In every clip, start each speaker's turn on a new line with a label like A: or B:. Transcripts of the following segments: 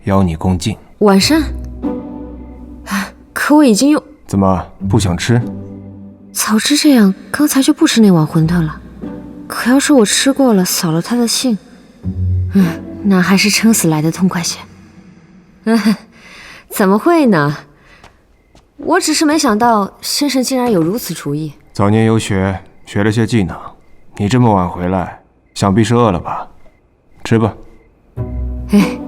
A: 邀你共进。
B: 晚膳？可我已经用……
A: 怎么不想吃？
B: 早知这样，刚才就不吃那碗馄饨了。可要是我吃过了，扫了他的兴，那还是撑死来的痛快些。怎么会呢？我只是没想到先生竟然有如此厨艺。
A: 早年游学，学了些技能，你这么晚回来，想必是饿了吧？吃吧。
B: 哎。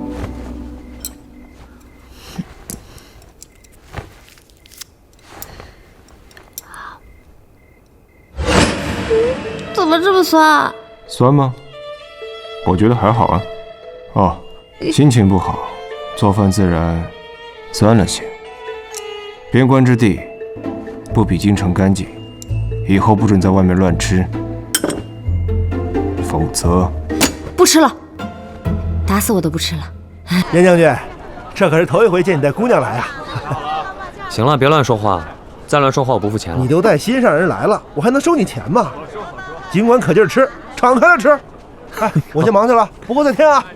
B: 怎么这么酸啊？
A: 酸吗？我觉得还好啊。哦，心情不好，做饭自然酸了些。边关之地不比京城干净，以后不准在外面乱吃，否则……
B: 不吃了，打死我都不吃了。
C: 严将军，这可是头一回见你带姑娘来啊！
D: 行了，别乱说话，再乱说话我不付钱了。
C: 你都带心上人来了，我还能收你钱吗？尽管可劲儿吃，敞开了吃。哎，我先忙去了，不过再添啊。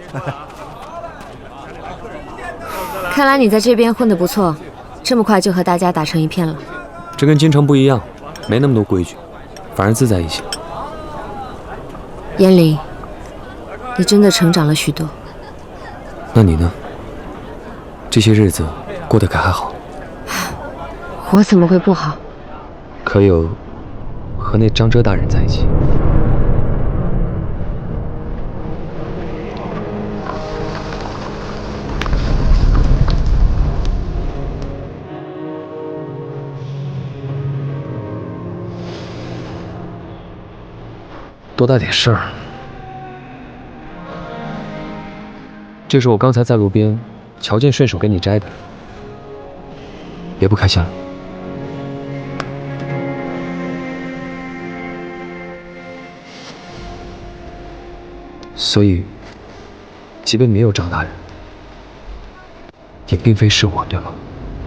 B: 看来你在这边混得不错，这么快就和大家打成一片了。
D: 这跟京城不一样，没那么多规矩，反而自在一些。
B: 燕玲，你真的成长了许多。
D: 那你呢？这些日子过得可还好？
B: 我怎么会不好？
D: 可有和那张遮大人在一起？多大点事儿？这是我刚才在路边瞧见顺手给你摘的，别不开心了。所以，即便没有张大人，也并非是我，对吗？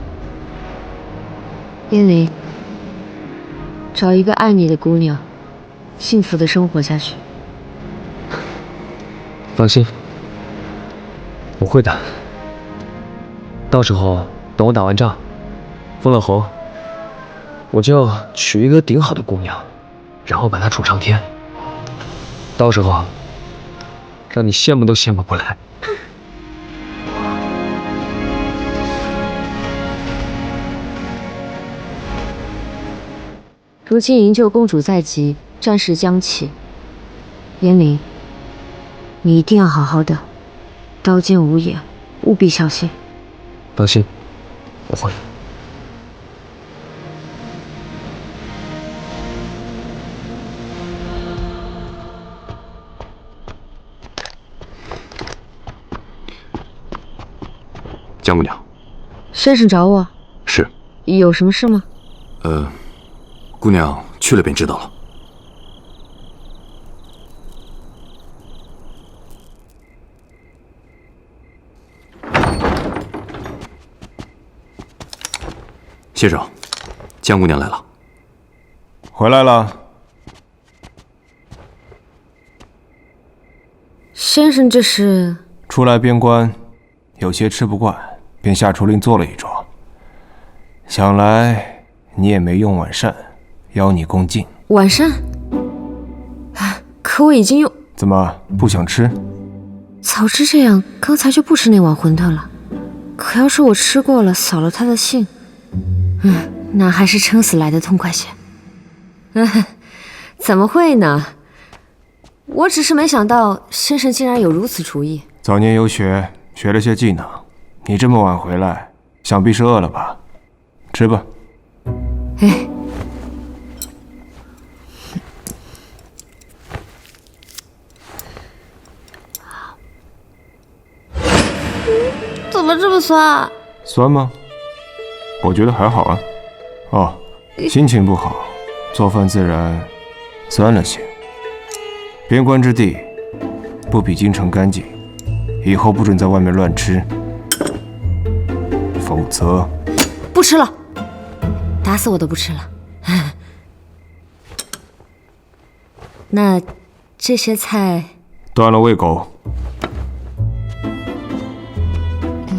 B: 燕玲，找一个爱你的姑娘，幸福的生活下去。
D: 放心，我会的。到时候等我打完仗，封了侯，我就娶一个顶好的姑娘，然后把她宠上天。到时候让你羡慕都羡慕不来。
B: 如今营救公主在即，战事将起。燕玲，你一定要好好的，刀剑无眼，务必小心。
D: 放心，我会。
E: 江姑娘，
B: 先生找我，
E: 是
B: 有什么事吗？
E: 姑娘去了便知道了。先生，江姑娘来了。
A: 回来了。
B: 先生，这是？
A: 初来边关，有些吃不惯，便下厨令做了一桌。想来你也没用晚膳，邀你共进。
B: 晚膳？可我已经用……
A: 怎么不想吃？
B: 早知这样，刚才就不吃那碗馄饨了。可要是我吃过了，扫了他的兴，那还是撑死来的痛快些。怎么会呢？我只是没想到先生竟然有如此厨艺。
A: 早年游学，学了些技能，你这么晚回来，想必是饿了吧？吃吧。
B: 哎。怎么这么酸啊？
A: 酸吗？我觉得还好啊。哦，心情不好，做饭自然酸了些。边关之地不比京城干净，以后不准在外面乱吃，否则……
B: 不吃了，打死我都不吃了。那这些菜……
A: 断了喂狗。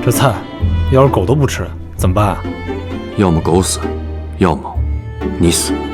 F: 这菜要是狗都不吃怎么办啊？
E: 要么狗死，要么你死。